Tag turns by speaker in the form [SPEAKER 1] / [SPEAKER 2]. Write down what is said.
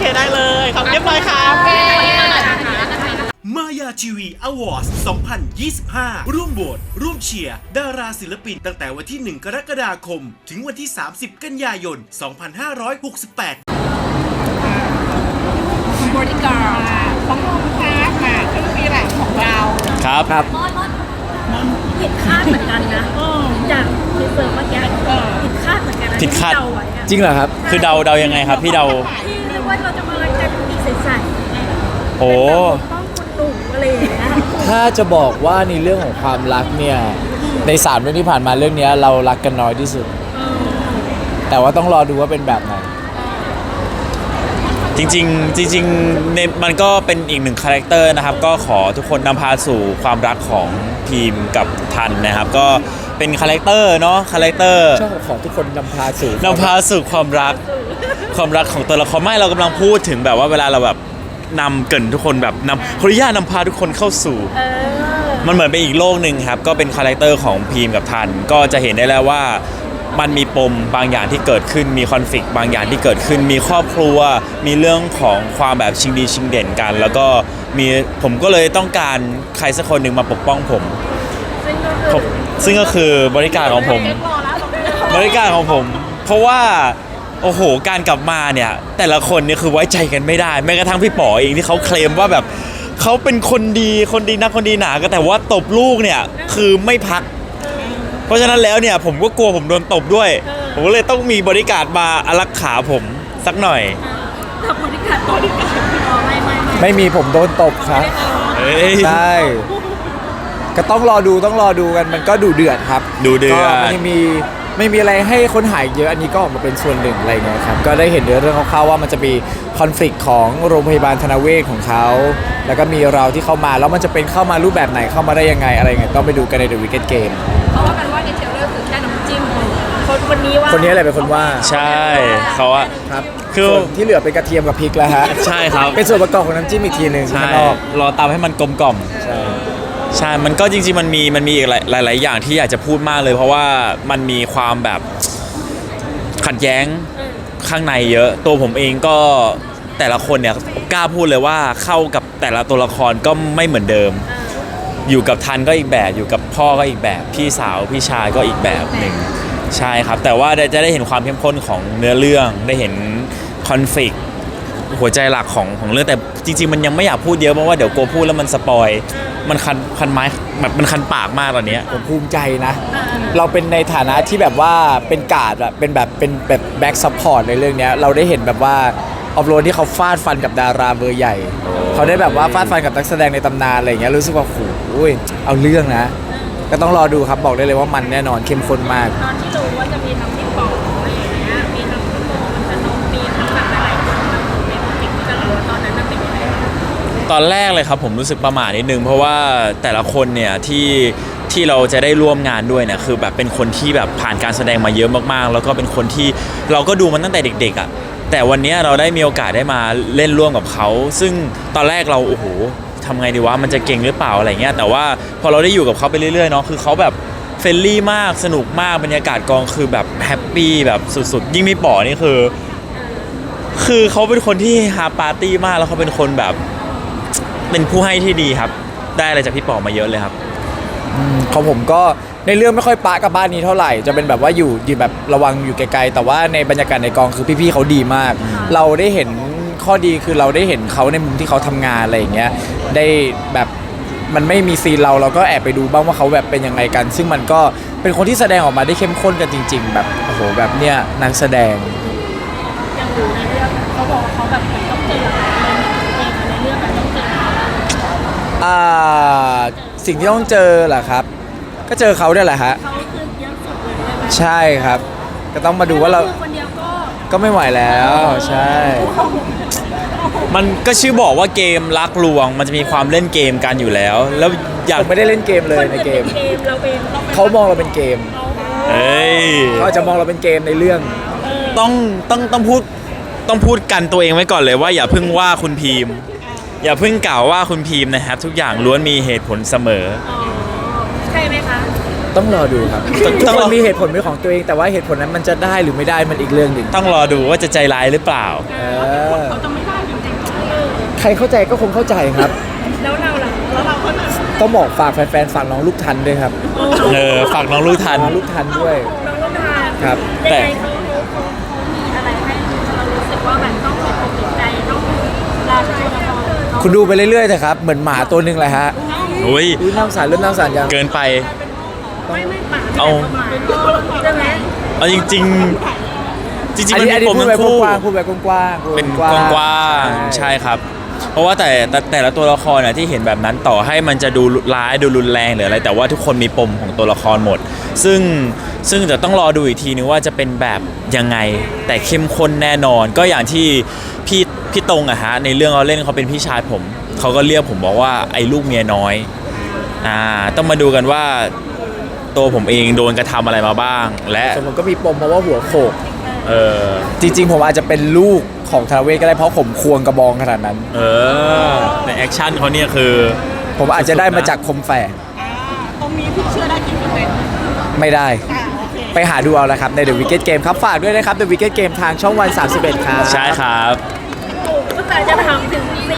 [SPEAKER 1] ได้เลยขอบเรียบร้อยครับ
[SPEAKER 2] มายาทีวีอวอร์ด2025 ร่วมโหวตร่วมเชียร์ดาราศิลปินตั้งแต่วันที่ 1 กรกฎาคม ถึงวันที่ 30 กันยายน 2568
[SPEAKER 3] บริการของเราค่ะก็คือแหล่งของเรา
[SPEAKER 4] ครับ
[SPEAKER 5] ผิดคาดเหมือนกันนะจากทีเซอร์เมื่อกี้ผิดคาดเหมือนกันนะ
[SPEAKER 4] ผิดคาด
[SPEAKER 5] ที่เดาไว้อะ
[SPEAKER 4] จริงเหรอครับ คือเดายังไงครับพี่เดา
[SPEAKER 5] ที่เรียกว่าเราจะมากันอีกใสๆ
[SPEAKER 4] โอ้
[SPEAKER 5] ป้องคุณหนุ่มอะไรอย่างเงี้ย
[SPEAKER 6] ถ้าจะบอกว่าในเรื่องของความรักเนี่ยใน3เรื่องที่ผ่านมาเรื่องนี้เรารักกันน้อยที่สุด แต่ว่าต้องรอดูว่าเป็นแบบไหน
[SPEAKER 4] จริงๆในมันก็เป็นอีกหนึ่งคาแรคเตอร์นะครับก็ขอทุกคนนำพาสู่ความรักของทีมกับทันนะครับก็เป็นคาแรคเตอร์เนาะคาแรคเตอร์
[SPEAKER 6] ชอบของทุกคนนำพาสู่
[SPEAKER 4] ความรักของตัวละครไม่เรากำลังพูดถึงแบบว่าเวลาเราแบบนำเกรินทุกคนแบบขออนุญาตนำพาทุกคนเข้าสู่มันเหมือนเป็นอีกโลกหนึ่งครับก็เป็นคาแรคเตอร์ของพีมกับทันก็จะเห็นได้แล้วว่ามันมีปมบางอย่างที่เกิดขึ้นมีคอนฟ lict บางอย่างที่เกิดขึ้นมีครอบครัวมีเรื่องของความแบบชิงดีชิงเด่นกัน แล้วก็ผมก็เลยต้องการใครสักคนหนึ่งมาปกป้องผมซึ่งก็คือบริการของผมเพราะว่าโอ้โหการกลับมาเนี่ยแต่ละคนเนี่ยคือไว้ใจกันไม่ได้แม้กระทั่งพี่ป๋อเองที่เขาเคลมว่าแบบเขาเป็นคนดีนักคนดีหนาก็แต่ว่าตบลูกเนี่ยคือไม่พักเพราะฉะนั้นแล้วเนี่ยผมก็กลัวผมโดนตบด้วยผมก็เลยต้องมีบริการมาอารักขาผมสักหน่อย
[SPEAKER 5] กับบริการไม่
[SPEAKER 6] ไม่มีผมโดนตบครับ
[SPEAKER 4] เฮ้ย
[SPEAKER 6] ใช่ก็ต้องรอดูกันมันก็ดูเดือดครับ
[SPEAKER 4] ดูเดือด
[SPEAKER 6] ก็ไม่มีอะไรให้ค้นหาเยอะอันนี้ก็ออกมาเป็นส่วนหนึ่งอะไรเงี้ยครับก็ได้เห็นเรื่องคร่าวๆว่ามันจะมีคอนฟ lict ของโรงพยาบาลธนเวชของเขาแล้วก็มีเราที่เข้ามาแล้วมันจะเป็นเข้ามารูปแบบไหนเข้ามาได้ยังไงอะไรเงี้ยต้องไปดูกันใน The Wicked Game
[SPEAKER 3] เขาว่ากันว่าในเทรลเลอร์คือแค่น้ำจิ้ม
[SPEAKER 5] คนนี้ว่า
[SPEAKER 6] คนนี้อะไรเป็นคนว่า
[SPEAKER 4] ใช่เขาอะ
[SPEAKER 6] ครับ
[SPEAKER 4] คือ
[SPEAKER 6] ส่วนที่เหลือเป็นกระเทียมกับพริกแล้วฮะ
[SPEAKER 4] ใช่ครับ
[SPEAKER 6] เป็นส่วนประกอบของน้ำจิ้มอีกทีหนึ่ง
[SPEAKER 4] ใช่
[SPEAKER 6] ข้างนอก
[SPEAKER 4] รอตามให้มันกลมกล่อม
[SPEAKER 6] ใช่
[SPEAKER 4] ใช่ มันก็จริงๆมันมีอีกหลายอย่างที่อยากจะพูดมากเลย เพราะว่ามันมีความแบบขัดแย้งข้างในเยอะ ตัวผมเองก็แต่ละคนเนี่ยกล้าพูดเลยว่าเข้ากับแต่ละตัวละครก็ไม่เหมือนเดิม อยู่กับทันก็อีกแบบอยู่กับพ่อก็อีกแบบพี่สาวพี่ชายก็อีกแบบหนึ่งใช่ครับแต่ว่าจะได้เห็นความเข้มข้นของเนื้อเรื่องได้เห็นคอนฟ lict หัวใจหลักของเรื่องแต่จริงๆมันยังไม่อยากพูดเยอะเพราะว่าเดี๋ยวกลัวพูดแล้วมันสปอยมันคันไม้แบบมันคันปากมากตอนนี้
[SPEAKER 6] ผมภูมิใจนะ เราเป็นในฐานะที่แบบว่าเป็นการ์ดอะเป็นแบบแบ็กซัพพอร์ตในเรื่องเนี้ยเราได้เห็นแบบว่าออฟโรดที่เขาฟาดฟันกับดาราเบอร์ใหญ่เขาได้แบบว่าฟาดฟันกับนักแสดงในตำนานอะไรอย่างเงี้ยรู้สึกว่าโอ้ยเอาเรื่องนะ ก็ต้องรอดูครับบอกได้เลยว่ามันแน่นอนเข้มข้นมาก
[SPEAKER 5] ตอนที่รู้ว่าจะมีทั้งพี่ป๋ออะไรอย่างเงี้ยมีทั้งพี่โมมันจะนมมีทั้งแบบหลายคนแบบในโปรเจกต์ที่จะรู้ตอนนั้นมันเป็นยังไง
[SPEAKER 4] ตอนแรกเลยครับผมรู้สึกประหม่านิดนึงเพราะว่าแต่ละคนเนี่ยที่เราจะได้ร่วมงานด้วยเนี่ยคือแบบเป็นคนที่แบบผ่านการแสดงมาเยอะมากๆแล้วก็เป็นคนที่เราก็ดูมันตั้งแต่เด็กๆอ่ะแต่วันนี้เราได้มีโอกาสได้มาเล่นร่วมกับเขาซึ่งตอนแรกเราโอ้โหทำไงดีวะมันจะเก่งหรือเปล่าอะไรเงี้ยแต่ว่าพอเราได้อยู่กับเขาไปเรื่อยๆเนาะคือเขาแบบเฟรนลี่มากสนุกมากบรรยากาศกองคือแบบแฮปปี้แบบสุดๆยิ่งมีป๋อนี่คือเขาเป็นคนที่ฮาปาร์ตี้มากแล้วเขาเป็นคนแบบเป็นผู้ให้ที่ดีครับได้อะไรจากพี่ป๋อมาเยอะเลยครับ
[SPEAKER 6] ของผมก็ในเรื่องไม่ค่อยปะกับบ้านนี้เท่าไหร่จะเป็นแบบว่าอยู่แบบระวังอยู่ไกลๆแต่ว่าในบรรยากาศในกองคือพี่ๆเขาดีมาก เราได้เห็นข้อดีคือเราได้เห็นเขาในมุมที่เขาทำงานอะไรอย่างเงี้ยได้แบบมันไม่มีซีนเราก็แอบไปดูบ้างว่าเขาแบบเป็นยังไงกัน ซึ่งมันก็เป็นคนที่แสดงออกมาได้เข้มข้นกันจริง ๆ แบบโอ้โหแบบเนี้ยนักแสดง
[SPEAKER 5] อย่างอยู่ในเรื่องเขาบอกว่าเขาแบบเหมือนต้องเจออะไรเองในเรื่องแบบต้องเจอ
[SPEAKER 6] สิ่งที่ต้องเจอเหรอครับก็เจอเขาเนี่ยแหละฮะ
[SPEAKER 5] เขาคือเยอะสุดเลยใช่ไหม
[SPEAKER 6] ใช่ครับก็ต้องมาดูว่าเรา
[SPEAKER 5] คนเดียวก็
[SPEAKER 6] ก็ไม่ไหวแล้วใช่
[SPEAKER 4] มันก็ชื่อบอกว่าเกมรักลวงมันจะมีความเล่นเกมกันอยู่แล้วอยาก
[SPEAKER 6] ผมไม่ได้เล่นเกมเลยในเกม
[SPEAKER 5] เราเป็น
[SPEAKER 6] เขามองเราเป็นเกม
[SPEAKER 4] เอ้ย
[SPEAKER 6] เขาอาจจะมองเราเป็นเกมในเรื่อง
[SPEAKER 4] ต้องพูดกันตัวเองไว้ก่อนเลยว่าอย่าเพิ่งว่าคุณพีมอย่าเพิ่งกล่าวว่าคุณพีมนะครับทุกอย่างล้วนมีเหตุผลเสมอ
[SPEAKER 5] ใช่ไหมคะ
[SPEAKER 6] ต้องรอดูครับ
[SPEAKER 4] ต้อง
[SPEAKER 6] ทุกคนมีเหตุผลเป็นของตัวเองแต่ว่าเหตุผลนั้นมันจะได้หรือไม่ได้มันอีกเรื่องหนึ่ง
[SPEAKER 4] ต้องรอดูว่าจะใจร้ายหรือเปล่า
[SPEAKER 6] เออ
[SPEAKER 3] เขาจะไม่ได้
[SPEAKER 6] ใครเข้าใจก็คงเข้าใจครับ
[SPEAKER 5] แล้วเราล่ะแล้วเราก็แบบ
[SPEAKER 6] ต้องบอกฝากแฟนๆฝากน้องลูกทันด้วยครับ
[SPEAKER 4] ฝากน้องลูกทัน
[SPEAKER 6] น้องลูกทันด้วย
[SPEAKER 5] น้องลูกทาน
[SPEAKER 6] ครับ
[SPEAKER 5] ยังไงเขามีอะไรให้เรารู้สึกว่าแบบต้องมีความสนใจต้องราชาละคร
[SPEAKER 6] คุณดูไปเรื่อยๆเถอะครับเหมือนหมาตัวหนึงเลยฮะ
[SPEAKER 4] อุ้ย
[SPEAKER 6] อุ้ยน้ำสารเริ่มน้ำสารยัง
[SPEAKER 4] เกินไป
[SPEAKER 5] ไม่ป่า
[SPEAKER 4] เอา
[SPEAKER 5] ใช่ไหม
[SPEAKER 4] เอาจริงๆ จริงๆมัน
[SPEAKER 6] อัน
[SPEAKER 4] มี
[SPEAKER 6] นี้
[SPEAKER 4] ปม
[SPEAKER 6] พูด
[SPEAKER 4] ทั้
[SPEAKER 6] แบบ
[SPEAKER 4] งคู่
[SPEAKER 6] กว้างๆพูดแบบกว้างๆพูด
[SPEAKER 4] เป็น
[SPEAKER 6] แบบ
[SPEAKER 4] กว้างๆใช่ครับ เพราะว่าแต่ละตัวละครน่ะที่เห็นแบบนั้นต่อให้มันจะดูร้ายดูรุนแรงหรืออะไร แต่ว่าทุกคนมีปมของตัวละครหมด ซึ่งจะต้องรอดูอีกทีนึงว่าจะเป็นแบบยังไง แต่เข้มข้นแน่นอน ก็อย่างที่พี่ตรงอะฮะในเรื่องเขาเล่นเขาเป็นพี่ชายผมเขาก็เรียกผมบอกว่าไอ้ลูกเมียน้อยต้องมาดูกันว่าตัวผมเองโดนกระทำอะไรมาบ้าง และ
[SPEAKER 6] ส่วนผมก็มีปมเพราะว่าหัวโขก
[SPEAKER 4] เออ
[SPEAKER 6] จริงๆผมอาจจะเป็นลูกของธนเวศก็ได้เพราะผมควงกระบองขนาดนั้น
[SPEAKER 4] ในแอคชั่นเขาเนี่ยคือ
[SPEAKER 6] ผมอาจจะได้มาจากคมแฝก
[SPEAKER 3] ตรงนี้พี่เชื่อได้กี่เปอร์เซ็นต์
[SPEAKER 6] ไม่ได้
[SPEAKER 3] โอเค
[SPEAKER 6] ไปหาดูเอาละครับใน The Wicked Game ครับ ฝากด้วยนะครับ The Wicked Game ทางช่องวัน 31 ครับ
[SPEAKER 4] ใช่ครับ
[SPEAKER 5] ก็แต่จะถามถึง